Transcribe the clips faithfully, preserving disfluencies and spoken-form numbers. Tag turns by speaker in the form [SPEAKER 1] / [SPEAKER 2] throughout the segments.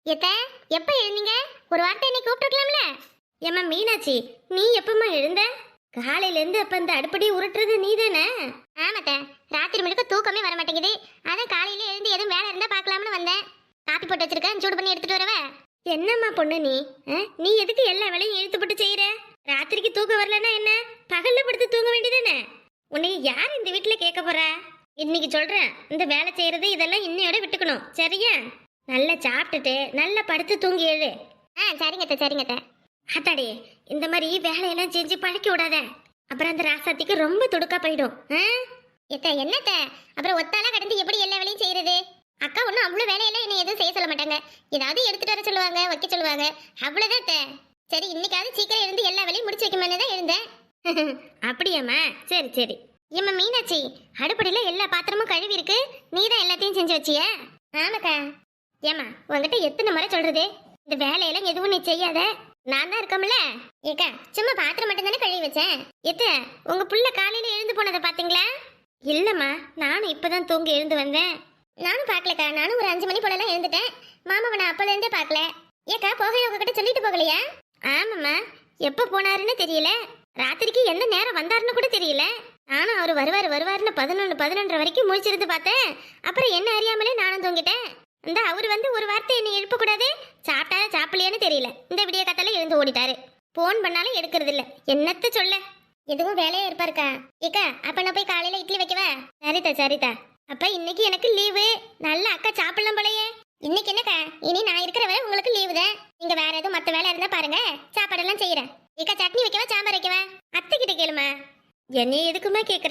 [SPEAKER 1] எத்த எப்ப எழுந்தீங்க? ஒரு வார்த்தை என்னை கூப்பிட்டுருக்கலாம்ல. ஏம்மா மீனாட்சி, நீ எப்பம்மா எழுந்த? காலையில இருந்து அப்ப இந்த அடுப்படி உருட்டுறது நீ தானே? ஆமாத்த, ராத்திரி முழுக்க தூக்கமே வர மாட்டேங்குது. அதான் காலையில எழுந்து எதுவும் வேலை இருந்தா பார்க்கலாம்னு வந்தேன். காப்பி போட்டு வச்சிருக்கேன், சூடு பண்ணி எடுத்துட்டு வரவ. என்னம்மா பொண்ணு நீ? நீ எதுக்கு எல்லா வேலையும் இழுத்து போட்டு செய்யற? ராத்திரிக்கு தூக்கம் வரலன்னா என்ன, பகல்ல படுத்து தூங்க வேண்டியதானே? உன்னை யார் இந்த வீட்டுல கேட்க போறா? இன்னைக்கு சொல்றேன், இந்த வேலை செய்யறது இதெல்லாம் இன்னையோட விட்டுக்கணும், சரியா? நல்லா சாப்பிட்டுட்டு நல்லா படுத்து தூங்கி எழுது. ஆ சரிங்கத்த சரிங்கத்த. அத்தாடி, இந்த மாதிரி வேலையெல்லாம் செஞ்சு பழக்கி விடாத, அப்புறம் அந்த ராசாத்திக்கு ரொம்ப துடுக்கா போயிடும். எத்த என்னத்த, அப்புறம் ஒத்தால கடந்து எப்படி எல்லா வேலையும் செய்யறது? அக்கா ஒன்றும் அவ்வளோ வேலையெல்லாம் என்ன எதுவும் செய்ய சொல்ல மாட்டாங்க. ஏதாவது எடுத்துட்டு வர சொல்லுவாங்க, வைக்க சொல்லுவாங்க, அவ்வளோதான் அத்தை. சரி, இன்னைக்காவது சீக்கிரம் இருந்து எல்லா வேலையும் முடிச்சு வைக்கணும்னு தான் இருந்தேன். அப்படியாம்மா, சரி சரி. ஏம்மா மீனாட்சி, அடுப்படியில எல்லா பாத்திரமும் கழுவி இருக்கு, நீ தான் எல்லாத்தையும் செஞ்சு வச்சிய? ஆமாக்கா. ஏம்மா உங்ககிட்ட எத்தனை முறை சொல்றது, இந்த வேலையெல்லாம் எதுவும் நீ செய்யாத, நான் தான் இருக்கோம்ல. ஏக்கா சும்மா பாத்திரம் மட்டும் தானே கழுவி வச்சேன். எத்த உங்க புள்ள காலையில எழுந்து போனதை பாத்தீங்களா? இல்லம்மா, நானும் இப்பதான் தூங்கி எழுந்து வந்தேன். நானும் பாக்கலக்கா, நானும் ஒரு அஞ்சு மணி போலலாம் எழுந்துட்டேன். மாமாவை நான் அப்பல இருந்தே பாக்கல. ஏக்கா போகைய உங்ககிட்ட சொல்லிட்டு போகலையா? ஆமாம்மா, எப்ப போனாருன்னு தெரியல, ராத்திரிக்கு எந்த நேரம் வந்தாருன்னு கூட தெரியல. நானும் அவர் வருவாரு வருவாருன்னு பதினொன்று பதினொன்றரை வரைக்கும் முழிச்சிருந்து பார்த்தேன். அப்புறம் என்ன அறியாமலே நானும் தூங்கிட்டேன். இந்த அவர் வந்து ஒரு வார்த்தை என்னை எழுப்பக்கூடாது, சாப்பிட்டா சாப்பிடலையான்னு தெரியல, இந்த விடிய காத்தால எழுந்து ஓடிட்டாரு. போன் பண்ணாலும் எடுக்கிறது இல்ல, என்னத்த சொல்ல. எதுவும் வேலையா இருப்பாருக்கா? ஏக்கா அப்ப நான் போய் காலையில இட்லி வைக்கவா? சரிதா சரிதா. அப்ப இன்னைக்கு எனக்கு லீவு, நல்ல அக்கா சாப்பிடலாம் போலயே. இன்னைக்கு என்னக்கா, இனி நான் இருக்கிற வரை உங்களுக்கு லீவு தான். நீங்க வேற எதுவும் மத்த வேலை இருந்தா பாருங்க, சாப்பாடெல்லாம் செய்யறேன். ஏக்கா சட்னி வைக்கவா சாம்பார் வைக்கவா? அத்தை கிட்ட கேளுமா. என்னை எதுக்குமா கேக்குற?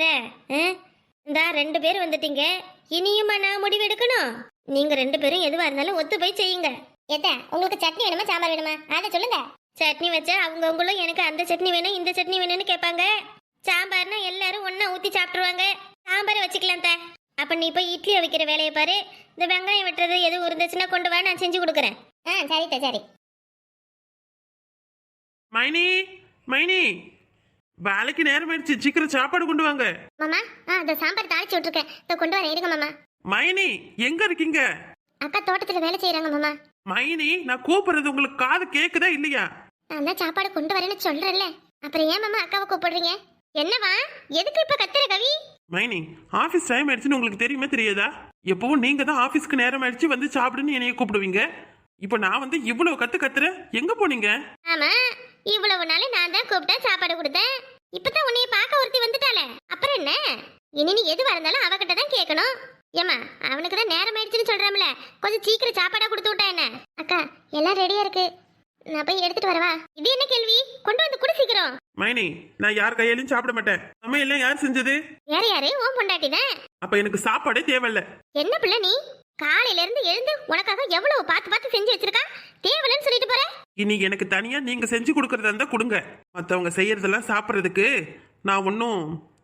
[SPEAKER 1] இந்த ரெண்டு பேரும் வந்துட்டீங்க, இனியுமா நான் முடிவு எடுக்கணும்? நீங்க ரெண்டு பேரும் எதுவா இருந்தாலும் ஒத்து போய் செய்யுங்க. ஏத்த உங்களுக்கு சட்னி வேணுமா சாம்பார் வேணுமா அதை சொல்லுங்க. சட்னி வச்சா அவங்கவுங்களும் எனக்கு அந்த சட்னி வேணும் இந்த சட்னி வேணும்னு கேட்பாங்க. சாம்பார்னா எல்லாரும் ஒன்னா ஊத்தி சாப்பிட்டுருவாங்க. சாம்பாரை வச்சுக்கலாம் த. அப்ப நீ போய் இட்லியை வைக்கிற வேலையை பாரு. இந்த வெங்காயம் வெட்டுறது எதுவும் இருந்துச்சுன்னா கொண்டு வா, நான் செஞ்சு கொடுக்குறேன். ஆ சரித்த சரி.
[SPEAKER 2] மைனி மைனி, வேலைக்கு நேரம் ஆயிடுச்சு, சீக்கிரம் சாப்பாடு கொண்டு வாங்க.
[SPEAKER 1] மாமா, ஆ அந்த சாம்பார் தாளிச்சு விட்டுருக்கேன், இதை கொண்டு வரேன், இருங்க மாமா.
[SPEAKER 2] மைனி எங்க இருக்கீங்க?
[SPEAKER 1] அக்கா தோட்டத்துல வேலை செய்யறாங்க மாமா.
[SPEAKER 2] மைனி, நான் கூப்பிடுறது உங்களுக்கு காது கேக்குதா இல்லையா?
[SPEAKER 1] நான் தான் சாப்பாடு கொண்டு வரேன்னு சொல்றேன்ல, அப்புறம் ஏன் மாமா அக்காவை கூப்பிடுறீங்க? என்னவா, எதுக்கு இப்ப கத்துற கவி?
[SPEAKER 2] மைனி, ஆபீஸ் டைம் ஆயிடுச்சுன்னு உங்களுக்கு தெரியுமா தெரியாதா? எப்பவும் நீங்க தான் ஆபீஸ்க்கு நேரம் ஆயிடுச்சு வந்து சாப்பிடுன்னு என்னைய கூப்பிடுவீங்க. இப்போ நான் வந்து இவ்வளவு கத்து கத்துறேன், எங்க போனீங்க?
[SPEAKER 1] ஆமா, இவ்வளவு நாள் நான் தான் கூப்பிட்டேன், சாப்பாடு கொடுத்தேன். இப்பதான் உன்னைய பார்க்க ஒருத்தி வந்துட்டாளே, அப்புறம் என்ன? இனி நீ எதுவா இருந்தாலும் அவகிட்ட தான் கேட்கணும். ஏமா, அவனுக்கு தான் நேரம் ஆயிடுச்சுன்னு சொல்றாமல, கொஞ்சம் சீக்கிரம் சாப்பாடா கொடுத்து விட்டா என்ன? அக்கா எல்லாம் ரெடியா இருக்கு, நான் போய் எடுத்துட்டு வரவா? இது என்ன கேள்வி, கொண்டு வந்து குடு சீக்கிரம்.
[SPEAKER 2] மைனி, நான் யார் கையாலையும் சாப்பிட மாட்டேன். சமையல் யார் செஞ்சது?
[SPEAKER 1] வேற யாரு? ஓம் பொண்டாட்டி தான்.
[SPEAKER 2] அப்ப எனக்கு சாப்பாடே தேவையில்ல.
[SPEAKER 1] என்ன பிள்ளை நீ, காலையில இருந்து எழுந்து உனக்காக எவ்வளவு பார்த்து பார்த்து செஞ்சு வச்சிருக்கா, தேவையில்லைன்னு சொல்லிட்டு போற?
[SPEAKER 2] இனி எனக்கு தனியா நீங்க செஞ்சு கொடுக்கறதா இருந்தா கொடுங்க, மத்தவங்க செய்யறதெல்லாம் சாப்பிடறதுக்கு நான் ஒன்னும்.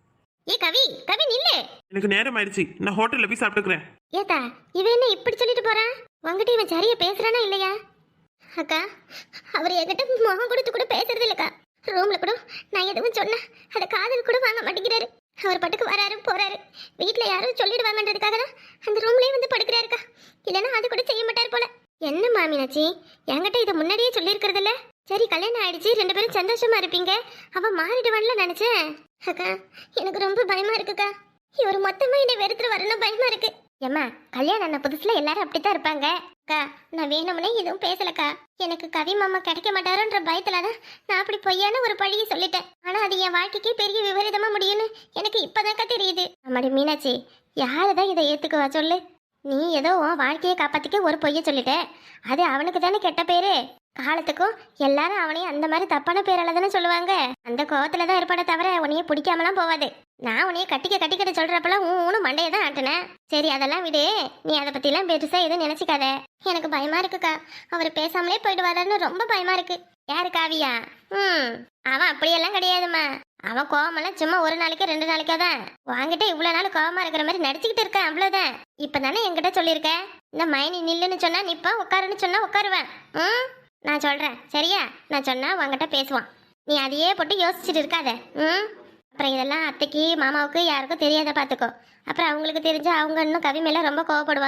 [SPEAKER 1] ஏ கவி, கவி நில்லு.
[SPEAKER 2] எனக்கு நேரம் ஆயிடுச்சு, நான் ஹோட்டல்ல போய் சாப்பிட்டுக்கிறேன்.
[SPEAKER 1] ஏத்தா இவன் என்ன இப்படி சொல்லிட்டு போறான்? உங்ககிட்ட இவன் சரியா பேசுறானா இல்லையா? அக்கா, அவர் என்கிட்ட முகம் கொடுத்து கூட பேசுறது இல்லக்கா. ரூம்ல கூட நான் எதுவும் சொன்னேன் அதை காதல் கூட வாங்க மாட்டேங்கிறாரு. அவர் பாட்டுக்கு வராரு போறாரு, வீட்டுல யாரும் சொல்லிடுவாங்கன்றதுக்காக தான் அந்த ரூம்லயே வந்து படுக்கிறாருக்கா. இல்லைன்னா அது கூட செய்ய மாட்டார் போல. என்ன மாமினாச்சி, என்கிட்ட இதை முன்னாடியே சொல்லியிருக்கிறது இல்ல? சரி கல்யாணம் ஆயிடுச்சு, ரெண்டு பேரும் சந்தோஷமா இருப்பீங்க, அவன் மாறிடுவான்ல நினைச்சேன். அக்கா எனக்கு ரொம்ப பயமா இருக்குக்கா, இவர் மொத்தமா என்னை வெறுத்துட்டு வரணும் பயமா இருக்கு. ஏம்மா, கல்யாணம் ஆன புதுசுல எல்லாரும் அப்படித்தான் இருப்பாங்க. அக்கா நான் வேணும்னே எதுவும் பேசலக்கா, எனக்கு கவி மாமா கிடைக்க மாட்டாரோன்ற பயத்துலதான் நான் அப்படி பொய்யான ஒரு பழியை சொல்லிட்டேன். ஆனா அது என் வாழ்க்கைக்கே பெரிய விபரீதமா முடியும்னு எனக்கு இப்பதான்க்கா தெரியுது. அம்மாடி மீனாட்சி, யாருதான் இதை ஏத்துக்குவா சொல்லு? நீ ஏதோ உன் வாழ்க்கையை காப்பாத்திக்க ஒரு பொய்ய சொல்லிட்ட, அது அவனுக்கு தானே கெட்ட பேரு. காலத்துக்கும் எல்லாரும் அவனையும் அந்த மாதிரி தப்பான பேரால தானே சொல்லுவாங்க. அந்த கோவத்துல தான் இருப்பானே தவிர உன்னைய பிடிக்காமலாம் போவாது. நான் உன்னைய கட்டிக்க கட்டிக்கிட்ட சொல்றப்பெல்லாம் ஊனு மண்டையை தான் ஆட்டினேன். சரி அதெல்லாம் விடு, நீ அதை பத்தி எல்லாம் பெருசா எதுவும் நினைச்சுக்காத. எனக்கு பயமா இருக்குக்கா, அவர் பேசாமலே போயிடுவாருன்னு ரொம்ப பயமா இருக்கு. யாரு காவியா? ம் அவன் அப்படியெல்லாம் கிடையாதுமா, அவன் கோவமெல்லாம் சும்மா ஒரு நாளைக்கு ரெண்டு நாளைக்கா தான். வாங்கிட்ட இவ்வளவு நாள் கோவமா இருக்கிற மாதிரி நடிச்சுக்கிட்டு இருக்க, அவ்வளவுதான். இப்பதானே என்கிட்ட சொல்லியிருக்க, இந்த மைனி நில்லுன்னு சொன்னா நிப்பா, உட்காருன்னு சொன்னா உட்காருவேன். ம் நான் சொல்றேன் சரியா, நான் சொன்னா உங்ககிட்ட பேசுவான். நீ அதையே போட்டு யோசிச்சுட்டு இருக்காத. ம் அப்புறம் இதெல்லாம் அத்தைக்கு மாமாவுக்கு யாருக்கும் தெரியாத பாத்துக்கோ. அப்புறம் அவங்களுக்கு தெரிஞ்சு அவங்க இன்னும் கவி மேல ரொம்ப கோவப்படுவாங்க.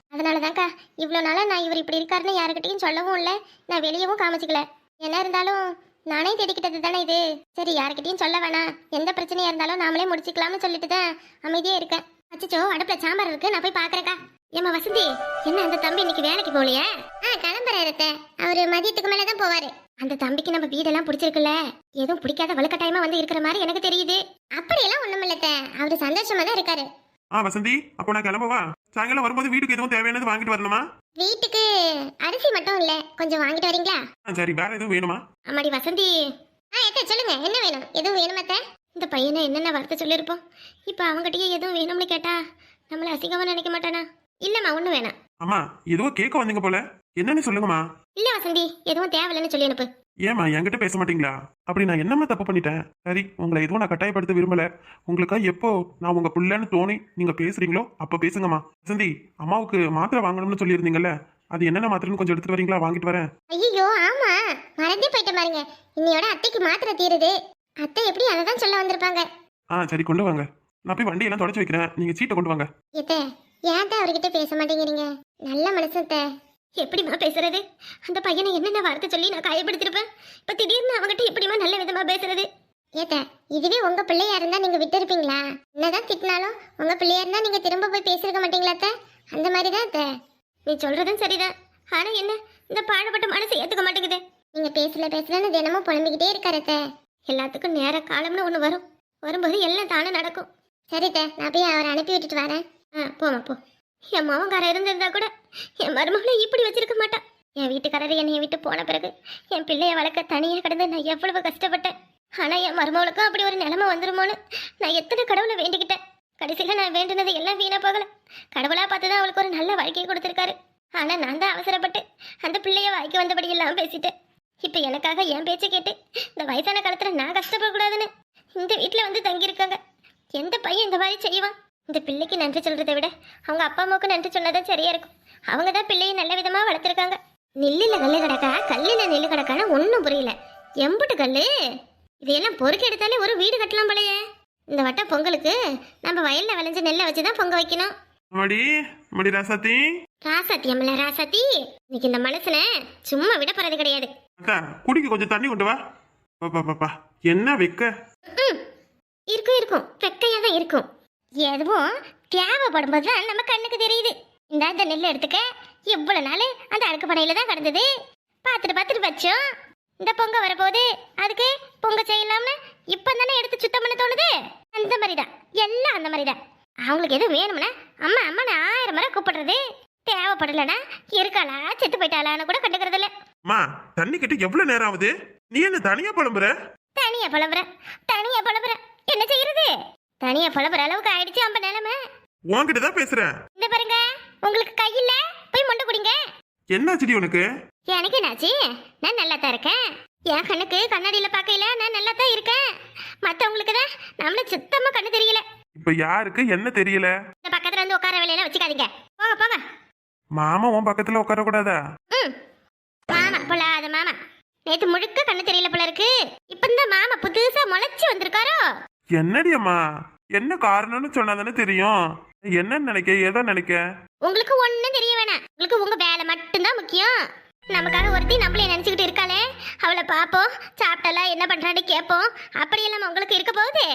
[SPEAKER 1] அதனாலதான்க்கா இவ்வளோ நாளா நான் இவர் இப்படி இருக்காருன்னு யாருக்கிட்டையும் சொல்லவும் இல்லை, நான் வெளியவும் காமிச்சிக்கல. என்ன இருந்தாலும் நானே தேடிக்கிட்டது தானே இது. சரி யாருக்கிட்டையும் சொல்ல வேணாம், எந்த பிரச்சனையா இருந்தாலும் நாமளே முடிச்சுக்கலாம்னு சொல்லிட்டு தான் அமைதியா இருக்கேன். அச்சச்சோ அடுப்புல சாம்பார் இருக்கு, நான் போய் பாக்குறேக்கா. ஏமா வசந்தி, என்ன அந்த தம்பி இன்னைக்கு வேலைக்கு போகலையே? ஆ கிளம்புறாரு, அவரு மதியத்துக்கு மேலதான் போவாரு. அந்த தம்பிக்கு நம்ம வீடெல்லாம் பிடிச்சிருக்குல்ல, எதுவும் பிடிக்காத வலுக்கட்டாயமா வந்து இருக்கிற மாதிரி எனக்கு தெரியுது. அப்படியெல்லாம் ஒண்ணுமில்லத்த, அவரு சந்தோஷமா தான் இருக்காரு.
[SPEAKER 2] ஆ வசந்தி, அப்போ நான் கிளம்பவா? சாயங்காலம் வரும்போது வீட்டுக்கு எதுவும் தேவையானது வாங்கிட்டு வரணுமா?
[SPEAKER 1] வீட்டுக்கு அரிசி மட்டும் இல்ல, கொஞ்சம் வாங்கிட்டு வரீங்களா?
[SPEAKER 2] ஆ சரி, வேற எதுவும் வேணுமா?
[SPEAKER 1] அம்மாடி வசந்தி. ஆ எத்த சொல்லுங்க, என்ன வேணும்? எதுவும் வேணுமாத்த? இந்த பையனை என்னென்ன வார்த்தை சொல்லியிருப்போம், இப்போ அவங்ககிட்டயே எதுவும் வேணும்னு கேட்டா நம்மள அசிங்கமா நினைக்க மாட்டானா? இல்லம்மா ஒண்ணு வேணாம்.
[SPEAKER 2] அம்மா ஏதோ கேட்க வந்தீங்க போல, என்னன்னு சொல்லுங்கம்மா.
[SPEAKER 1] இல்ல வசந்தி, எதுவும் தேவையில்லைன்னு சொல்லி அனுப்பு.
[SPEAKER 2] ஏமா என்கிட்ட பேச மாட்டீங்களா? அப்படி நான் என்னம்மா தப்பு பண்ணிட்டேன்? சரி, உங்களை எதுவும் நான் கட்டாயப்படுத்த விரும்பல. உங்களுக்கா எப்போ நான் உங்க புள்ளன்னு தோணி நீங்க பேசுறீங்களோ அப்ப பேசுங்கம்மா. வசந்தி, அம்மாவுக்கு மாத்திரை வாங்கணும்னு சொல்லியிருந்தீங்கல்ல, அது என்னென்ன மாத்திரைன்னு கொஞ்சம் எடுத்துட்டு வரீங்களா? வாங்கிட்டு வரேன்.
[SPEAKER 1] ஐயோ ஆமா, மறந்தே போயிட்டேன் பாருங்க. இன்னையோட அத்தைக்கு மாத்திரை தீருது. அத்தை எப்படி அதை தான் சொல்ல வந்திருப்பாங்க.
[SPEAKER 2] ஆ சரி, கொண்டு வாங்க. நான் போய் வண்டியெல்லாம் தொடச்சு வைக்கிறேன், நீங்க சீட்டை கொண்டு வாங்க.
[SPEAKER 1] ஏத்தே, ஏன் தான் அவர்கிட்ட பேச மாட்டேங்கிறீங்க? நல்ல மனசத்த. எப்படிமா பேசுறது? அந்த பையனை என்னென்ன வார்த்தை சொல்லி நான் காயப்படுத்திருப்பேன். இப்ப திடீர்னு அவங்ககிட்ட எப்படிமா நல்ல விதமா பேசுறது? ஏத்த, இதுவே உங்க பிள்ளையா இருந்தா நீங்க விட்டு இருப்பீங்களா? என்னதான் திட்டினாலும் உங்க பிள்ளையா இருந்தா நீங்க திரும்ப போய் பேசிருக்க மாட்டீங்களா அத்தை? அந்த மாதிரி தான் அத்தை. நீ சொல்றதும் சரிதான், ஆனா என்ன இந்த பாடுபட்ட மனசை ஏத்துக்க மாட்டேங்குது. நீங்க பேசல பேசலன்னு தினமும் புலம்பிக்கிட்டே இருக்காரு அத்தை. எல்லாத்துக்கும் நேர காலம்னு ஒண்ணு வரும், வரும்போது எல்லாம் தானே நடக்கும். சரித்த, நான் போய் அவரை அனுப்பி விட்டுட்டு வரேன். ஆ போமா போ. என் மாவன்காரர் இருந்திருந்தா கூட என் மருமகளை இப்படி வச்சிருக்க மாட்டான். என் வீட்டுக்காரர் என்னைய விட்டு போன பிறகு என் பிள்ளைய வளர்க்க தனியாக கிடந்து நான் எவ்வளவு கஷ்டப்பட்டேன். ஆனா என் மருமகளுக்கும் அப்படி ஒரு நிலைமை வந்துருமோன்னு நான் எத்தனை கடவுளை வேண்டிக்கிட்டேன். கடைசியில நான் வேண்டினது எல்லாம் வீணா போகல. கடவுளா பார்த்துதான் அவளுக்கு ஒரு நல்ல வாழ்க்கையை கொடுத்திருக்காரு. ஆனா நான் தான் அவசரப்பட்டு அந்த பிள்ளைய வாய்க்கு வந்தபடி எல்லாம் பேசிட்டேன். இப்ப எனக்காக என் பேச்சை கேட்டு இந்த வயசான காலத்துல நான் கஷ்டப்படக்கூடாதுன்னு இந்த வீட்டுல வந்து தங்கியிருக்காங்க. எந்த பையன் இந்த மாதிரி செய்வான்? இந்த பிள்ளைக்கு நன்றி சொல்றதை விட அவங்க அப்பா அம்மாவுக்கு நன்றி சொன்னதான் சரியா இருக்கும். அவங்க தான் பிள்ளையை நல்ல விதமா வளர்த்துருக்காங்க. நெல்லுல கல்லு கிடக்கா, கல்லுல நெல்லு கிடக்கான்னு ஒன்னும் புரியல. எம்புட்டு கல்லு இதையெல்லாம் பொறுக்கி எடுத்தாலே ஒரு வீடு கட்டலாம் போலயே. இந்த வட்டம் பொங்கலுக்கு நம்ம வயல்ல விளைஞ்ச நெல்லை வச்சுதான் பொங்க வைக்கணும்.
[SPEAKER 2] மடி மடி ராசாத்தி.
[SPEAKER 1] ராசாத்தி அம்மல ராசாத்தி, இன்னைக்கு இந்த மனசுல சும்மா விட போறது கிடையாது.
[SPEAKER 2] அக்கா, குடிக்க கொஞ்சம் தண்ணி கொண்டு வா. பாப்பா பாப்பா, என்ன வெக்க?
[SPEAKER 1] ம் இருக்கும் இருக்கும், வெக்கையா தான் இருக்கும். எதுவும் தேவைப்படும் போது தான் நம்ம கண்ணுக்கு தெரியுது. இந்த இந்த நெல் எடுத்துக்க, எவ்வளவு நாள் அந்த அழுக்கு படையில தான் கிடந்தது, பார்த்துட்டு பார்த்துட்டு வச்சோம். இந்த பொங்க வரப்போகுது, அதுக்கு பொங்க செய்யலாம்னு இப்போ தானே எடுத்து சுத்தம் பண்ண தோணுது. அந்த மாதிரி தான் எல்லாம், அந்த மாதிரி தான். அவங்களுக்கு எதுவும் வேணும்னா அம்மா அம்மான்னு ஆயிரம் முறை கூப்பிடுறது, தேவைப்படலைன்னா இருக்காளா செத்து போயிட்டாளான்னு கூட கண்டுக்கிறது இல்லை.
[SPEAKER 2] அம்மா, தண்ணி கிட்ட எவ்வளவு நேரம் ஆகுது? நீ என்ன தனியா புலம்புற?
[SPEAKER 1] தனியா புலம்புற தனியா புலம்புற என்ன செய்யறது? தனியா புலம்புற அளவுக்கு ஆயிடுச்சு நம்ம நிலைமை.
[SPEAKER 2] உன்கிட்ட தான் பேசுறேன்.
[SPEAKER 1] இந்த பாருங்க, உங்களுக்கு கையில போய் மொண்டை குடிங்க.
[SPEAKER 2] என்னாச்சுடி உனக்கு?
[SPEAKER 1] எனக்கு என்னாச்சு? நான் நல்லா தான் இருக்கேன். என் கண்ணுக்கு கண்ணாடியில பார்க்கையில நான் நல்லா தான் இருக்கேன். மத்தவங்களுக்கு தான் நம்மள சுத்தமா கண்ணு தெரியல.
[SPEAKER 2] இப்ப யாருக்கு என்ன தெரியல?
[SPEAKER 1] இந்த பக்கத்துல வந்து உட்கார வேலையெல்லாம் வச்சுக்காதீங்க, போங்க போங்க.
[SPEAKER 2] மாமா உன் பக்கத்துல உட்கார கூடாதா?
[SPEAKER 1] ம் மாமா பொல்லாத மாமா, நேத்து முழுக்க கண்ணு தெரியல போல இருக்கு. இப்ப இந்த மாமா புதுசா முளைச்சு வந்திருக்காரோ.
[SPEAKER 2] என்னடி அம்மா, என்ன காரணம்னு சொன்னாதானே தெரியும். என்னன்னு நினைக்க, ஏதோ நினைக்க?
[SPEAKER 1] உங்களுக்கு ஒண்ணும் தெரிய வேணாம், உங்களுக்கு உங்க வேலை மட்டும்தான் முக்கியம். நமக்காக ஒருத்தி நம்மளே நினைச்சுக்கிட்டு இருக்காளே, அவளை பாப்போம், சாப்பிட்டாலா என்ன பண்றான்னு கேட்போம். அப்படியெல்லாம் உங்களுக்கு இருக்க போகுது.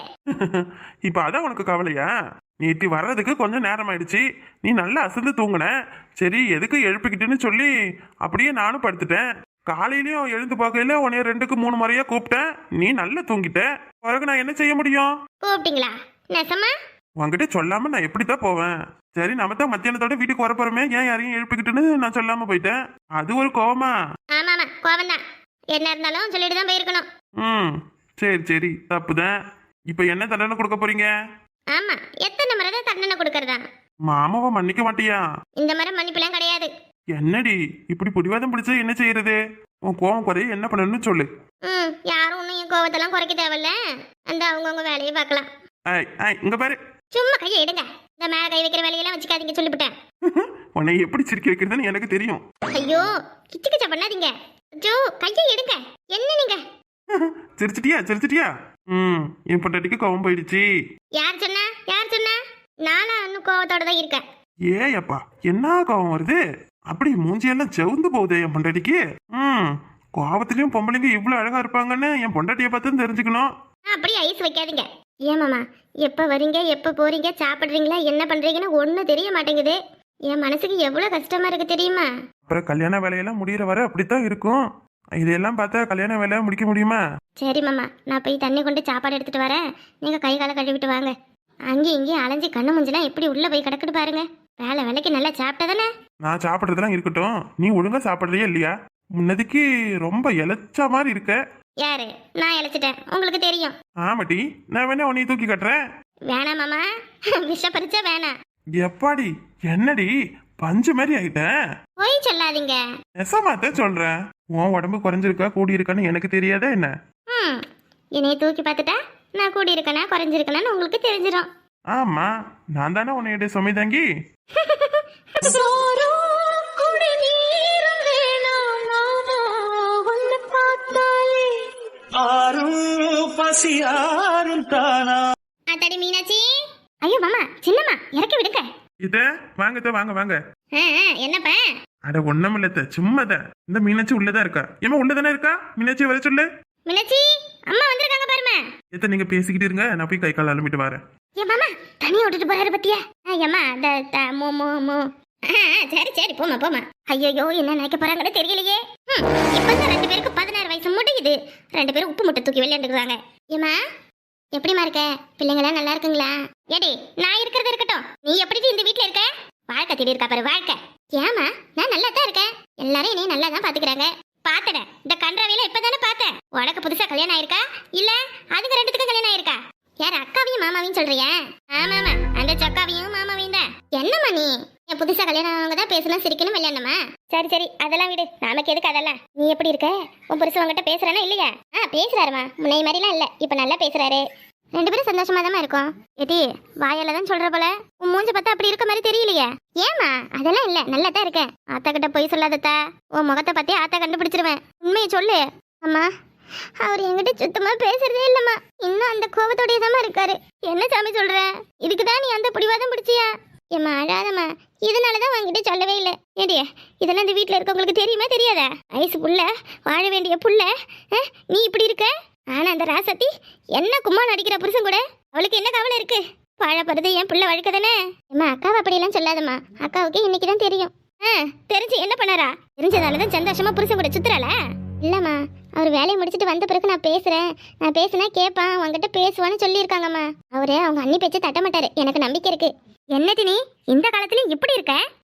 [SPEAKER 2] இப்ப அதான் உனக்கு கவலையா? நீட்டி வர்றதுக்கு கொஞ்சம் நேரம் ஆயிடுச்சு, நீ நல்லா அசந்து தூங்குன. சரி எதுக்கு எழுப்பிக்கிட்டுன்னு சொல்லி அப்படியே நானும் படுத்துட்டேன். காலையிலயும் எழுந்து பார்க்கல உன்னைய ரெண்டுக்கு மூணு முறையா கூப்பிட்டேன், நீ நல்லா தூங்கிட்ட. பிறகு நான் என்ன செய்ய முடியும்?
[SPEAKER 1] கூப்பிட்டீங்களா? நெசமா?
[SPEAKER 2] உன்கிட்ட சொல்லாம நான் எப்படித்தான் போவேன்? சரி, நம்ம தான் மத்தியானத்தோட வீட்டுக்கு வர போறோமே, ஏன் யாரையும் எழுப்பிக்கிட்டுன்னு நான் சொல்லாம போயிட்டேன். அது ஒரு கோவமா?
[SPEAKER 1] ஆமா ஆமா, கோவம் தான். என்ன இருந்தாலும் சொல்லிட்டு தான் போயிருக்கணும்.
[SPEAKER 2] ம் சரி சரி, தப்புதான். இப்ப என்ன தண்டனை கொடுக்க போறீங்க?
[SPEAKER 1] ஆமா, எத்தனை முறை தான் தண்டனை கொடுக்கறதா?
[SPEAKER 2] மாமாவை மன்னிக்க மாட்டியா?
[SPEAKER 1] இந்த மாதிரி மன்னிப்புலாம் கிடையாது.
[SPEAKER 2] என்னடி இப்படி பிடிவாதம் பிடிச்சா என்ன செய்யறது? உன் கோவம் குறைய என்ன பண்ணணும்னு சொல்லு.
[SPEAKER 1] ம் யாரும் ஒன்றும் என் கோவத்தெல்லாம் குறைக்க தேவையில்ல, அந்த அவங்கவுங்க வேலையை பார்க்கலாம்.
[SPEAKER 2] ஐய் ஐய், இங்க பாரு.
[SPEAKER 1] சும்மா கையை எடுங்க, இந்த மேல கை வைக்கிற வேலையெல்லாம் வச்சுக்காதீங்க சொல்லிவிட்டேன்.
[SPEAKER 2] உன்னை எப்படி சிரிக்க வைக்கிறதுன்னு எனக்கு தெரியும்.
[SPEAKER 1] ஐயோ கிச்சு கிச்சா பண்ணாதீங்க. ஜோ கையை எடுங்க. என்ன நீங்க
[SPEAKER 2] சிரிச்சிட்டியா சிரிச்சிட்டியா? ம் என் பொண்டாட்டிக்கு கோவம் போயிடுச்சு.
[SPEAKER 1] யார் சொன்னா? யார் சொன்னா? நானா இன்னும் கோவத்தோட தான் இருக்கேன்.
[SPEAKER 2] ஏயப்பா என்ன கோவம் வருது? அப்படி மூஞ்சியெல்லாம் செவுந்து போகுது என் பொண்டாட்டிக்கு. ம் கோவத்திலயும் பொம்பளைங்க இவ்வளவு அழகா இருப்பாங்கன்னு என் பொண்டாட்டியை பார்த்து தெரிஞ்சுக்கணும்.
[SPEAKER 1] அப்படி ஐஸ் வைக்காதீங்க. ஏமாமா எப்போ வரீங்க எப்போ போறீங்க சாப்பிட்றீங்களா என்ன பண்றீங்கன்னு ஒன்றும் தெரிய மாட்டேங்குது. என் மனசுக்கு எவ்வளோ கஷ்டமா இருக்கு தெரியுமா?
[SPEAKER 2] அப்புறம் கல்யாண வேலையெல்லாம் முடிகிற வரை அப்படித்தான் இருக்கும். இதெல்லாம் பார்த்தா கல்யாண வேலையை முடிக்க முடியுமா?
[SPEAKER 1] சரி மாமா, நான் போய் தண்ணி கொண்டு சாப்பாடு எடுத்துட்டு வரேன். நீங்க கை காலை கழுவிட்டு வாங்க. அங்கேயும் இங்கேயும் அலைஞ்சி கண்ணு முஞ்செல்லாம் எப்படி உள்ள போய் கிடக்குது பாருங்க. வேலை வேலைக்கு நல்லா சாப்பிட்டா தானே.
[SPEAKER 2] நான் சாப்பிட்றதெல்லாம் இருக்கட்டும், நீ ஒழுங்கா சாப்பிட்றியா இல்லையா? முன்னதுக்கு ரொம்ப இழைச்ச மாதிரி இருக்க.
[SPEAKER 1] யாரு? நான் இழைச்சிட்டேன், உங்களுக்கு தெரியும்.
[SPEAKER 2] ஆமாட்டி, நான் வேணா உன்னை தூக்கி கட்டுறேன்.
[SPEAKER 1] வேணாம் மாமா, விஷ பறிச்சா வேணாம்.
[SPEAKER 2] எப்பாடி என்னடி பஞ்சு மாதிரி ஆயிட்டேன்?
[SPEAKER 1] போய் சொல்லாதீங்க.
[SPEAKER 2] நெசமாத்தான் சொல்றேன். உன் உடம்பு குறைஞ்சிருக்கா கூடி இருக்கான்னு எனக்கு தெரியாதா என்ன?
[SPEAKER 1] ம் என்னைய தூக்கி பார்த்துட்டா நான் கூடி இருக்கனா குறைஞ்சிருக்கனான்னு உங்களுக்கு தெரிஞ்சிடும்.
[SPEAKER 2] ஆமா, நான் தானே உன்னைய சுமை தாங்கி.
[SPEAKER 1] அத்தாடி மீனாட்சி. ஐயோ மாமா, சின்னம்மா இறக்கி விடுங்க.
[SPEAKER 2] இத வாங்கத்த வாங்க வாங்க.
[SPEAKER 1] ஆ, ஆ, என்னப்பா?
[SPEAKER 2] அட ஒண்ணும் இல்லத்த, சும்மாதான். இந்த மீனாட்சி உள்ளதா இருக்கா? ஏமா உள்ளதானே இருக்கா? மீனாட்சி வர சொல்லு.
[SPEAKER 1] மீனாட்சி அம்மா வந்திருக்காங்க பாருமா.
[SPEAKER 2] எத்த நீங்க பேசிக்கிட்டு இருங்க, நான் போய் கை கால் அலம்பிட்டு வரேன்.
[SPEAKER 1] ஏ மாமா தனியா விட்டுட்டு போறாரு பத்தியா? ஐயம்மா த த மோ மோ மோ. ஆ, ஆ, சரி சரி போமா போமா. ஐயோ என்ன நினைக்க போறாங்கன்னு தெரியலையே. ம் இப்பதான் ரெண்டு பேருக்கு பதினாறு வயசு முடியுது. ரெண்டு பேரும் உப்பு முட்டை தூக்கி விளையாண்டுக்கிறாங்க. ஏமா எப்படிமா இருக்க? பிள்ளைங்களாம் நல்லா இருக்குங்களா? ஏடி நான் இருக்கிறது இருக்கட்டும், நீ எப்படி இந்த வீட்டுல இருக்க? வாழ்க்கை தேடி இருக்கா பாரு வாழ்க்கை. ஏமா நான் நல்லா தான் இருக்கேன். எல்லாரும் என்னைய நல்லா தான் பாத்துக்கிறாங்க. பாத்தட இந்த கன்றாவில இப்பதானே பார்த்தேன். உனக்கு புதுசா கல்யாணம் ஆயிருக்கா இல்ல அதுக்கு ரெண்டுத்துக்கும் கல்யாணம் ஆயிருக்கா? யார் அக்காவையும் மாமாவையும் சொல்றியா? ஆமாமா, அந்த சொக்காவையும் மாமாவையும் தான். என்னம்மா நீ என் புதுசா கல்யாணம் ஆனவங்க தான் பேசணும் சிரிக்கணும் விளையாடணுமா? சரி சரி அதெல்லாம் விடு, நமக்கு எதுக்கு அதெல்லாம். நீ எப்படி இருக்க? உன் புருஷன் உங்ககிட்ட பேசுறானா இல்லையா? ஆ பேசுறாருமா, முன்னைய மாதிரிலாம் இல்ல, இப்ப நல்லா பேசுறாரு. ரெண்டு பேரும் சந்தோஷமா தான் இருக்கும். ஏடி வாயால தான் சொல்ற போல, உன் மூஞ்ச பார்த்தா அப்படி இருக்க மாதிரி தெரியலையே. ஏமா அதெல்லாம் இல்ல, நல்லா தான் இருக்கேன். ஆத்தா கிட்ட போய் சொல்லாதத்தா, உன் முகத்தை பத்தி ஆத்தா கண்டுபிடிச்சிருவேன். உண்மையை சொல்லு. அம்மா அவர் என்கிட்ட சுத்தமா பேசுறதே இல்லம்மா. இன்னும் அந்த கோபத்தோடய தான் இருக்காரு. என்ன சாமி சொல்ற? இதுக்குதான் நீ அந்த பிடிவாதம் பிடிச்சியா? ஏம்மா அழாதம்மா, இதனாலதான் உங்ககிட்ட சொல்லவே இல்லை. ஏடி இதெல்லாம் இந்த வீட்டுல இருக்கவங்களுக்கு தெரியுமா தெரியாதா? வயசு புள்ள, வாழ வேண்டிய புள்ள, நீ இப்படி இருக்க. ஆனா அந்த ராசத்தி என்ன கும்மா நடிக்கிற புருஷன் கூட அவளுக்கு என்ன கவலை இருக்கு? வாழப்படுறது என் புள்ள வழக்க தானே. ஏம்மா அக்காவை அப்படியெல்லாம் சொல்லாதம்மா, அக்காவுக்கு இன்னைக்குதான் தெரியும். ஆ தெரிஞ்சு என்ன பண்ணாரா? தெரிஞ்சதாலதான் சந்தோஷமா புருஷன் கூட சுத்துறாள? இல்லம்மா, அவர் வேலையை முடிச்சுட்டு வந்த பிறகு நான் பேசுறேன், நான் பேசுனா கேட்பான், உங்ககிட்ட பேசுவான்னு சொல்லியிருக்காங்கம்மா. அவரு அவங்க அண்ணி பேச்சு தட்ட மாட்டாரு, எனக்கு நம்பிக்கை இருக்கு. என்னது நீ இந்த காலத்துலயும் இப்படி இருக்க?